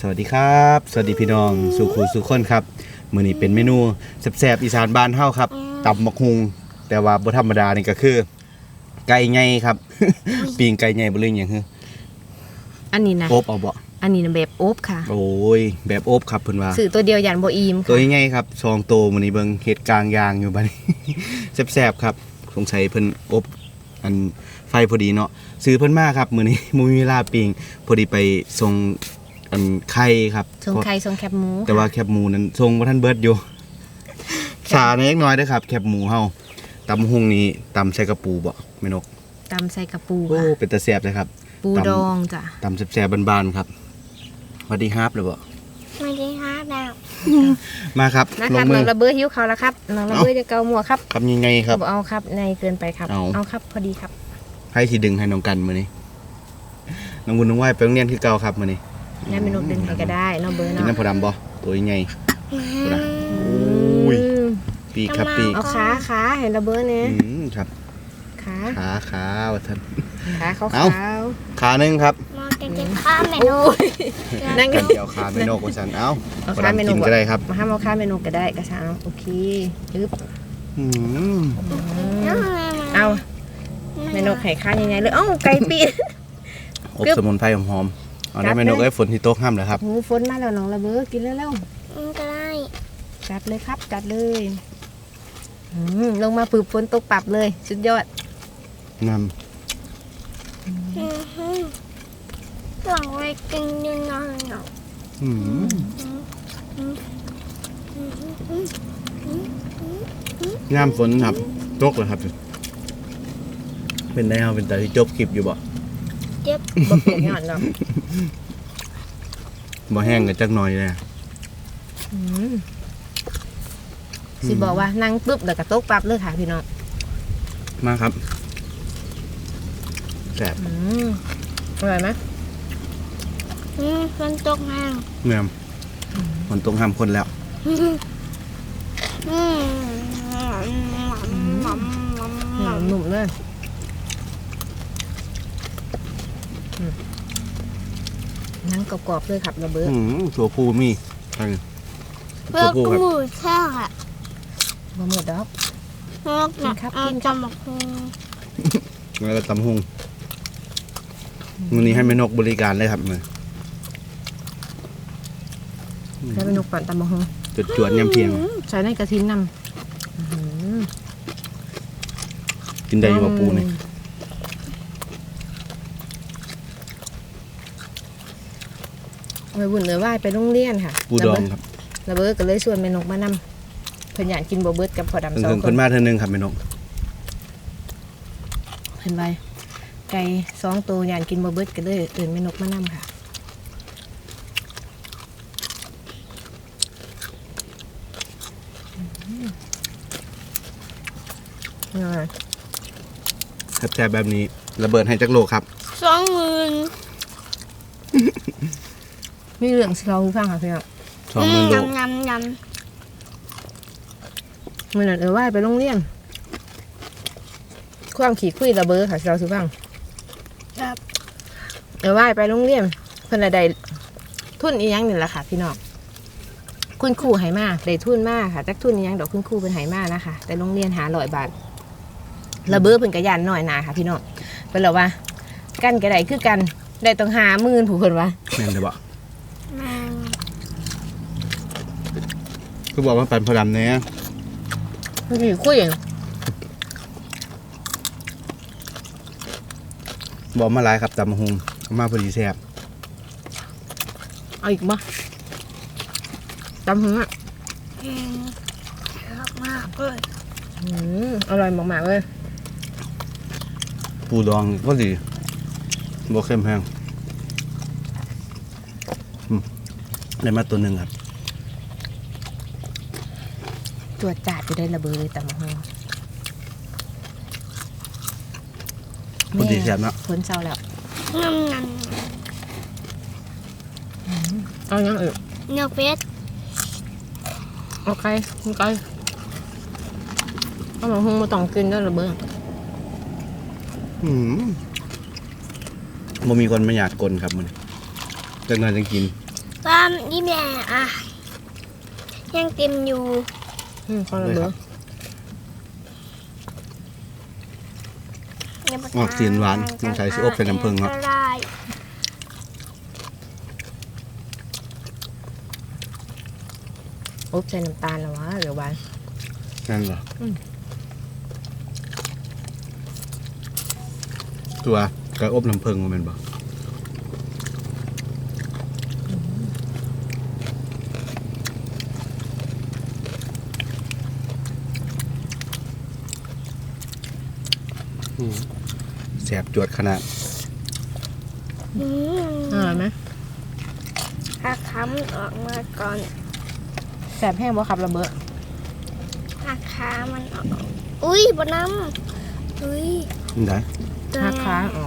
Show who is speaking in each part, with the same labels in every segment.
Speaker 1: สวัสดีครับสวัสดีพี่น้องสุขุสุขคนครับมื้อนี้เป็นเมนูแซ่บๆอีสานบ้านเฮาครับตำบักฮุงแต่ว่าบ่ธรรมดานี่ก็คือไก่ใหญ่ครับ ปิ้งไก่ใหญ่บ่เรื่องหยังคือ
Speaker 2: อันนี้นะ
Speaker 1: อบเอาบ่
Speaker 2: อันนี้นะแบบอบค่ะ
Speaker 1: โอ้ยแบบอบครับเพิ่นว่า
Speaker 2: ซื้อตัวเดียวยันบ่อิ่มค่ะ
Speaker 1: ตัวใหญ่ครับ2ตัวมื้อนี้เบิ่งเฮ็ดกลางยางอยู่บัดนี้ แซ่บๆครับสงสัยเพิ่นอบอันไฟพอดีเนาะซื้อเพิ่นมาครับมื้อนี้บ่มีเวลาปิ้งพอดีไปส่งอันไข่ครับ
Speaker 2: ทรงไข่ทรงแคบหมู
Speaker 1: แต่ว่าแคบหมูนั้นทรงบ่ทันเบิดอยู่สาเล็กน้อยเด้อครับแคบหมูเฮาตำหุงนี้ตำใส่กระปูบ่แม่นก
Speaker 2: ตำใส่กระปู
Speaker 1: โอ้
Speaker 2: ค่ะ
Speaker 1: เป็นตาแซ่บเลยครับ
Speaker 2: ปูดองจ้ะ
Speaker 1: ตำแซ่บๆบานๆครับสวัสดีครับเลยบ่
Speaker 3: สวัสดีครับดาว
Speaker 1: มาครับ
Speaker 2: ลงมือน้องระเบ้อหิวเขาแล้วครับน้องระเบ้อจะเกาหมวกครับ
Speaker 1: ครับยังไงครับ
Speaker 2: เอาครับในเกินไปครับเอาครับพอดีครับ
Speaker 1: ให้สิดึงให้น้องกันมื้อนี้น้องบุญน้องไหว้ไปโรงเรียนคือเก่าครับมื้อนี้
Speaker 2: ได้เมนูดึงให้ก็ได้น้องเบ้อเนาะ
Speaker 1: กินน้ำผดำบ่ตัวใหญ่อุ้ยปีกครับปีก
Speaker 2: เอาขาเห็นระเบ้อเนี่ย
Speaker 1: ครับขาว่าท่าน
Speaker 2: ขาเขา
Speaker 1: ขานึงครับ
Speaker 3: มองกินข้าวเมนู
Speaker 1: นั่งกันเดี๋ยวขาเมนูกันสันเอาขาเมนูก็ได้ครับ
Speaker 2: มาห้ามเอาขาเมนูก็ได้กระชังโอเคปึ๊บเอาเมนูไข่ข้าวยังไงเลยไก่ปี
Speaker 1: อบสมุนไพรหอมๆเอาได้เมนูก็ฝนที่โต๊ะห้ามเลยครับ
Speaker 2: ฝนมาแล้วน้องระเบ้อกินแล้ว
Speaker 3: ก็ได้
Speaker 2: จัดเลยครับจัดเลยลงมาปืบฝนตกปับเลยสุดยอด
Speaker 1: นำ
Speaker 3: หลังไว้กินยังไง
Speaker 1: งามฝนครับตกเลยครับเป็นได้เอาเป็นแต่ที่จบคลิปอยู่บ่
Speaker 3: เจ็บ
Speaker 2: บ่เปลี่ยนงานหรอก
Speaker 1: บ่แห้งกันจักหน่อยเลย
Speaker 2: สิบอกว่านั่งปุ๊บแล้วก็ตกปั๊บเลยค่ะพี่น้อง
Speaker 1: มาครับแซ่บ
Speaker 2: อร่อยไหม
Speaker 3: ฝนตกห้าง
Speaker 1: เมื่อฝนตกห้ามคนแล้ว
Speaker 2: หนุ่มเลยนั่งกรอบๆเลยครับระเบ้อ
Speaker 1: ตัวผู้มี
Speaker 3: เพื่อกู้แค่ค่ะ
Speaker 2: บะหมี่ดอก
Speaker 3: กินครับกินจำหมกฮง
Speaker 1: แล้วก็ตำฮงวันนี้ให้แม่นกบริการเลยครับมือ
Speaker 2: ให้แม่นกปั่นตำบักฮง
Speaker 1: จวดๆยำเพียง
Speaker 2: ใส่ในกระทินนำ
Speaker 1: กินได้อยู่กับปูนี่
Speaker 2: ไปบุญเหนือไหว้ไปโรงเรียนค่ะ
Speaker 1: ปูดองครับ
Speaker 2: ระเบิดก็เลยชวนแม่นกมานำเพิ่นอยากกินบ่เบิดกับพอดำ2 คน
Speaker 1: เพิ่นมาเท่านึงครับแม่นก
Speaker 2: เพิ่นไปไก่2 ตัวอยากกินบ่เบิดก็เลยเอิ้นแม่นกมานำค่ะ
Speaker 1: แซ่บแบบนี้ระเบิดให้จักโลครับ
Speaker 3: 20,000
Speaker 2: มีเรื่องสิเราฟังค่ะพี่น้อง
Speaker 1: 20,000 โล
Speaker 3: ยำ
Speaker 2: มื้อนั้นไหว้ไปโรงเรียนความขี้คุยระเบ้อค่ะเราสิฟัง
Speaker 3: ครับ
Speaker 2: ไหว้ไปโรงเรียนเพิ่นได้ทุนอีหยังนี่แหละค่ะพี่น้องคุณครูให้มาได้ทุนมาค่ะจักทุนอีหยังดอกคุณครูเพิ่นให้มานะคะแต่โรงเรียน500 บาทระเบ้อเพิ่นก็ย่านน้อยหนาค่ะพี่น้องเพิ่นว่ากันก็ได้คือกันได้ต้อง50,000ผู้เพิ่นว่า
Speaker 1: แม่นได้บ่คือบอกว่าปั่นพอดำเนี่ย
Speaker 2: ขี้คุย
Speaker 1: บอกมาหลายครับตำบักหุ่งมาพอดีแซ่บ
Speaker 2: เอาอีกบ่ตำหุ่ง
Speaker 3: มากเลย
Speaker 2: อร่อยมากๆเลย
Speaker 1: ปูดองก็ดีบ่เข้มแห้งได้มาตัวหนึ่งครับ
Speaker 2: ตัวจัดจะได้ระเบิดเลยตำหุ่ง
Speaker 1: พอดีแซ่บเนาะ
Speaker 2: พ้นเศร้าแล้วเอาอย่างอื่น
Speaker 3: เนื้อเป็ด
Speaker 2: โอเคเอาหมูหุ้งมาต้องกินด้วยระเบิด
Speaker 1: บ่มีคนมาอยากกลนครับมันจังหน่อยจังกิน
Speaker 3: ว่านี่แม่อ่ะยังเต็มอยู่
Speaker 2: ของระเบิด
Speaker 1: ออกสีหวานสงสัยสิอบใส่น้ำผึ้งเนาะ
Speaker 3: ได้
Speaker 2: อบใส่น้ำตาลแล้ววะหรือหวาน
Speaker 1: นั่นเหรอ
Speaker 2: อืม
Speaker 1: ตัวกระอบน้ำผึ้งมันเป็นบ่แสบจวดขนาด
Speaker 2: อร่อยไหม
Speaker 3: ถ้าค้ำออกมาก่อน
Speaker 2: แสบแห้งบ่ครับระเบิด
Speaker 3: ถ้าค้ามันออกอุ้ยบนน้ำอุ้ย
Speaker 1: นี่ได้
Speaker 2: หักค้างออก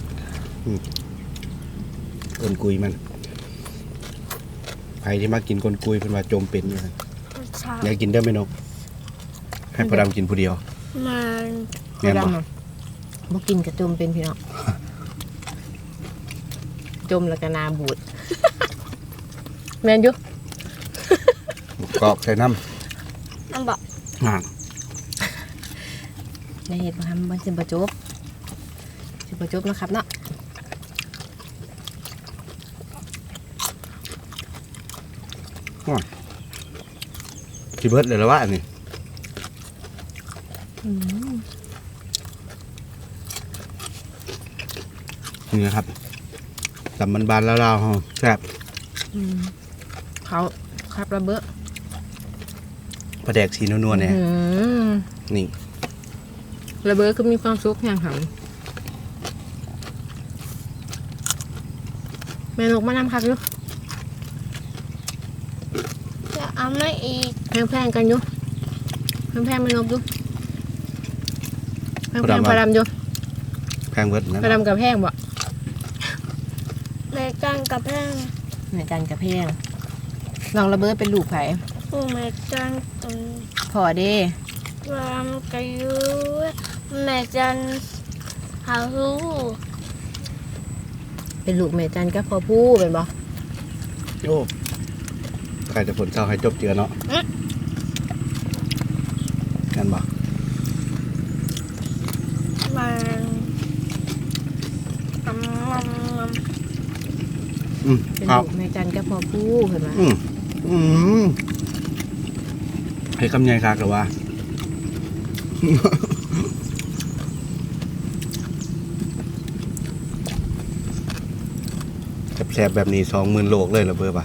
Speaker 1: กลกุยมันใครที่มากินกลกุยเป็นว่าจมเป็นอยู่นะอยากกินได้ไหมนกให้พอดำกินผู้เดียว
Speaker 3: มัน
Speaker 1: แม่นบ่
Speaker 2: ดำอะบ่กินกระจมเป็นพี่น้องจมแล้วก็นาบูด แม่นอยู่
Speaker 1: กรอกใส่น้
Speaker 3: มันบอก
Speaker 1: ำห่าง
Speaker 2: ในเหตุบ่ทำมันสิบ่จบนะครับเนาะ
Speaker 1: ที่เบิร์ดเลยแล้วว่าอันนี้นี่นะครับตำมันบานแล้วเราแซ่บ
Speaker 2: เขาครับระเบิด
Speaker 1: ปลาแดกสีนัวๆเนี่ย
Speaker 2: อืม
Speaker 1: นี่
Speaker 2: ระเบิดก็มีความสุขอย่างหำแม่นกมานำครับอยู่
Speaker 3: จะเอาไม่อีก
Speaker 2: แพงๆกันอยู่แพงๆแม่นกอยู่แพงๆพอดำอยู่
Speaker 1: แพงเบิร์ดนะ
Speaker 2: พอดำกับแพงบ่
Speaker 3: ในการกับแพง
Speaker 2: ในจานกับแพงลองระเบิดเป็นลูกไผ่
Speaker 3: ผู้แม่จันตน
Speaker 2: พอเด้
Speaker 3: ความกระยุแม่จันหารู้
Speaker 2: เป็นลูกแม่จันกับพ่อผู้เป็นบ่
Speaker 1: โอ้ใครจะผลเศร้าให้จบเจือเนาะกันบ่
Speaker 3: มันมัน
Speaker 2: เป็น
Speaker 1: ครับ
Speaker 2: ลูกแม่จันกับพ่อผู้เห็นไหม
Speaker 1: ให้คำใหญ่คักหรือว่า แสบๆแบบนี้20,000โลกเลยเหรอเบอร์ป่ะ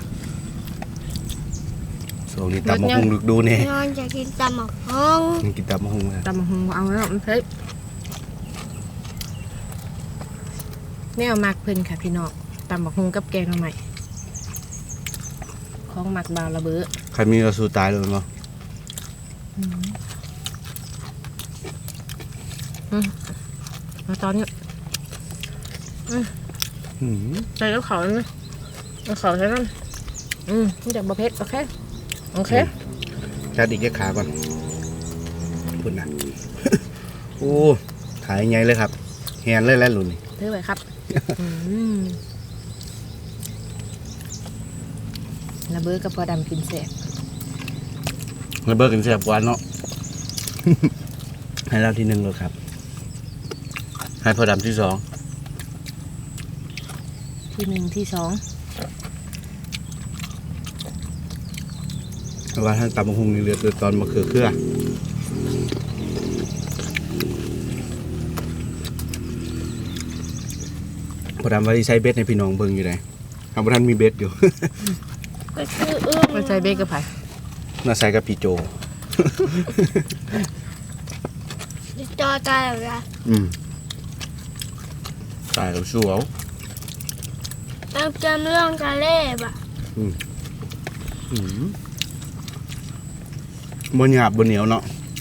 Speaker 1: ส่วนนี้ตำมะฮุงลึกดูเนี่ย
Speaker 3: นอนจะกินตำหมกห้อง
Speaker 1: มันกินตำมะฮุงเลย
Speaker 2: ตำบักหงเอาแล้วมันเผ็ดแนวมักเพิ่นค่ะพี่น้องตำบักหงกับแกงหน่อไม้ของมักบาวระเบ้อ
Speaker 1: ใครมีเราสู้ตายเลยเนาะ
Speaker 2: มาตอนนี้
Speaker 1: อืม
Speaker 2: ใส่แล้วเขาไหมเอาเขาใส่นั่นนี่จากบะเพ็ดโอเคโอเค
Speaker 1: จัดอีกแค่ขาก่อนพุ่นนะ โอ้ขายใหญ่เลยครับแฮนเลยแล้วหลุนนี่
Speaker 2: ถือไว้ครับระเบ้อกับพอดำกินแสบ
Speaker 1: ระเบิดกันแซ่บกว่าเนาะ ให้เราที่หนึ่งเลยครับ ให้พอดำที่สอง
Speaker 2: ที่หนึ่งที่สอง
Speaker 1: เพราะว่าท่านตำมะฮุงนี่เหลือแต่ตอนมะเขือเครือพอดำว่าที่ใช้เบ็ดในพี่น้องเบิ่งอยู่ไหนครับพอท่านมีเบ็ดอยู่
Speaker 3: ก็คือ
Speaker 2: มาใจเบกกับไผ่
Speaker 1: น่าใส่กับพี่โจ
Speaker 3: จอตายแล้วนะ
Speaker 1: ตายแล้วสู้เอา
Speaker 3: เราจำเรื่องทะเลบ่ะ
Speaker 1: บนหยาบบนเหนียวเนาะ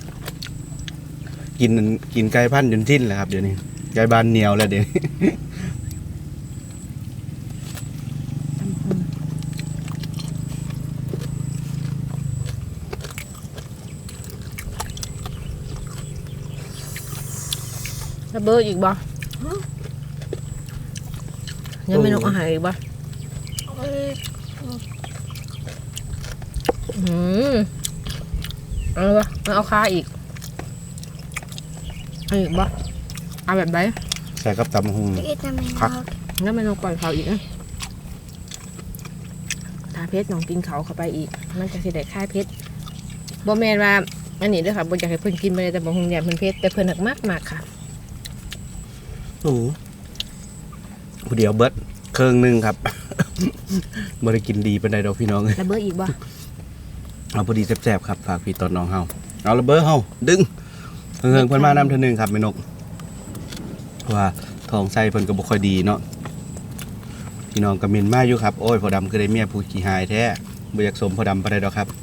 Speaker 1: กินไก่พันธุ์จนสิ้นแหละครับเดี๋ยวนี้ไก่บานเหนียวแล้วเดี๋ยวนี้
Speaker 2: ระเบ้ออีกบ่ยังไม่นกอาหารอีกบ่
Speaker 3: เอ้ย
Speaker 2: เอาวะเอาค้าอีกเอาอีกบ่เอาแบบไหน
Speaker 1: ใส่กับตำบักหุ่ง
Speaker 3: อีกทำไม
Speaker 1: ครับ
Speaker 2: งั้นมันเอาก่อนเขาอีกนะถ้าเพชรน้องกินเขาเข้าไปอีกมันจะสิได้ค่ายเพชรบ่แม่นว่าอันนี้เด้อค่ะบ่อยากให้เพิ่นกินไปเลยแต่บ่ฮู้เนี่ยเพิ่นเพชรแต่เพิ่นหักมากๆค่ะ
Speaker 1: โอ้โหผู้เดียวเบิดเครื่องหนึงครับ บ่ได้กินดีปานใดดอกพี่น้องเอ้ย
Speaker 2: ระเบิดอีกบ่
Speaker 1: เอาพอดีแซ่บๆครับฝากพี่ตอนน้องเฮาเอาระเบิดเฮาดึงเฮิงๆเพิ่นมานำเทื่อนึงครับแม่นกเพราะว่าท้องไส้เพิ่นก็บ่ค่อยดีเนาะพี่น้องก็เม่นมาอยู่ครับโอ้ยพ่อดำคือได้เมียผู้ขี้หายแท้บ่อยากสมพ่อดำปานใดดอกครับ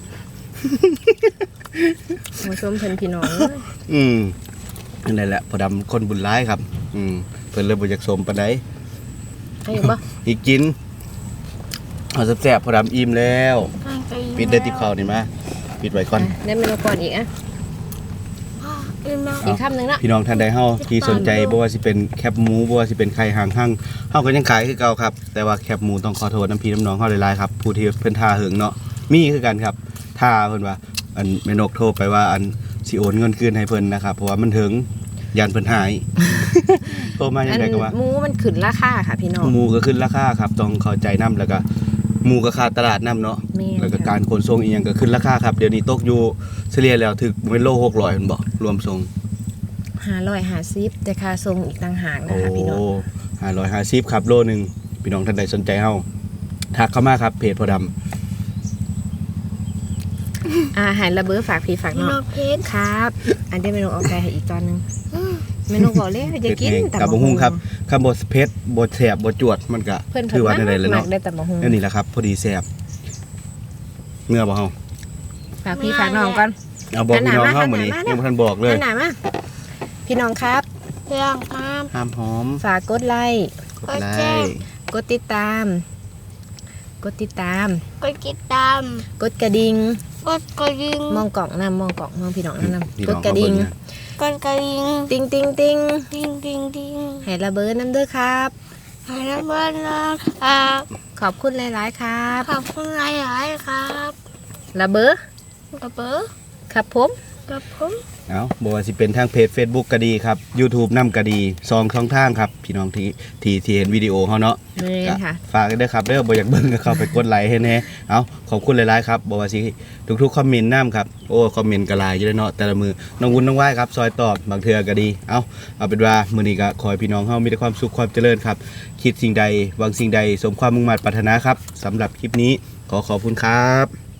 Speaker 2: มาชมเพิ่นพี่น้อง
Speaker 1: นั่นแหละพ่อดำคนบุญร้ายครับเพิ่นเลยบ่อยากสมปานใด
Speaker 2: ให้อีกบ่
Speaker 1: อีกกินเอาแซ่บๆพ่อดำอิ่มแล้วปิดได้ติบข้าวนี่มาปิดไว้ก่อน
Speaker 2: ได้เมนูก่อนอีกอ่ะ
Speaker 3: อีกแล้ว
Speaker 2: อีกคำหนึงเนาะ
Speaker 1: พี่น้องท่านใดเฮาที่สนใจบ่ว่าสิเป็นแคบหมูบ่ว่าสิเป็นไข่หางหั่งเฮาก็ยังขายคือเก่าครับแต่ว่าแคบหมูต้องขอโทษน้ำพี่น้ำน้องเฮาหลายๆครับผู้ที่เพิ่นท่าหึงเนาะมีคือกันครับท่าเพิ่นว่าอันแม่นกโทรไปว่าอันสิโอนเงินคืนให้เพิ่นนะครับเพราะว่ามันถึงยันเพิ่นหาย โทรมาจังได๋ก็ว่า
Speaker 2: หมูมันขึ้นราคาค่ะพี่น้อง
Speaker 1: หมูก็ขึ้นราคาครับต้องเข้าใจนํแล้วก็หมูก็ค่าตลาดนํเนาะ
Speaker 2: แม่น
Speaker 1: แล้วก็
Speaker 2: ค่ะ
Speaker 1: การขนส่งอีหยังก็ขึ้นราคาครับเดี๋ยวนี้ตกอยู่เฉลี่ยแล้วถึงเป็นโล600เพิ่นบ่รวมส่ง
Speaker 2: 550แต่ค่าส่งอีกต่างหากนะ
Speaker 1: โอ้
Speaker 2: คะพี่น้อง
Speaker 1: 550ครับโลหนึงพี่น้องท่านใดสนใจเฮาทักเข้ามาครับเพจพอดำ
Speaker 2: อาหารระเบิดฝากพี่ฝาก
Speaker 3: พี่
Speaker 2: น้
Speaker 3: น้
Speaker 2: อ
Speaker 3: อง งเพชร
Speaker 2: ครับ อันเดียวเมนูเอาไปให้อีกตอนหนึงเมนูบอกเลยอย่ากิน
Speaker 1: กับบ่ฮู้ครับคำบ่เผ็ดบ่แซ่บบ่จวดมันก็
Speaker 2: เพิ่น
Speaker 1: ถือว่าได้เลย
Speaker 2: มั
Speaker 1: เนาะ
Speaker 2: กได้แต่บ่ฮู้
Speaker 1: นั่นนี่แหละครับพอดีแซ่บเมื่อบ่เฮา
Speaker 2: ฝากพี่ฝากน้องก่อน
Speaker 1: เอาบอกพี่น้องเฮามื้อนี้
Speaker 2: หันหน้ามา
Speaker 1: ยังบ่ทันบอกเลย
Speaker 2: อันไหนมาพี่น้องครับ
Speaker 3: เรื่องครับ
Speaker 1: ห้ามหอม
Speaker 2: ฝากกดไลค์
Speaker 1: กดไลค์
Speaker 2: กดติดตาม กดติดตาม
Speaker 3: กดติดตาม
Speaker 2: กดกระดิ่ง
Speaker 3: กดกระดิ่ง
Speaker 2: มองกล่องนำมองกล่องมองพี่น้องนำ
Speaker 1: พี่
Speaker 2: ก
Speaker 1: น้
Speaker 2: ด
Speaker 1: อง
Speaker 2: กระดิ่ง
Speaker 3: กดกระดิ่ง
Speaker 2: ติ้งติ้งติ้ง
Speaker 3: ดิ่งดิ่งดิ่ง
Speaker 2: ให้ระเบิดน้ำเด้อครับ
Speaker 3: ให้น้ำเบิ้ลนะครับ
Speaker 2: ขอบคุณหลายๆครับ
Speaker 3: ขอบคุณหลายๆครับ
Speaker 2: ระเบิด
Speaker 3: กระเป๋า
Speaker 2: ครับผม
Speaker 3: กับผม
Speaker 1: เอาบ่ว่าสิเป็นทางเพจ Facebook ก็ดีครับ YouTube นำก็ดี2ช่องทางครับพี่น้องที่เห็นวิดีโอเฮาเนาะ
Speaker 2: นี่ค่ะ
Speaker 1: ฝากด้วยครับเด้อบ่อยากเบิ่งก็เข้าไปกดไลค์ให้แน่เอาขอบคุณหลายๆครับบ่ว่าสิทุกๆคอมเมนต์นำครับโอ้คอมเมนต์ก็หลายอยู่เลยเนาะแต่ละมือน้องวุ้นน้องว่ายครับซอยตอบบางเทื่อก็ดีเอาเป็นว่ามื้อนี้ก็ขอให้พี่น้องเฮามีแต่ความสุขความเจริญครับคิดสิ่งใดหวังสิ่งใดสมความมุ่งมั่นปรารถนาครับสำหรับคลิปนี้ขอบคุณครับ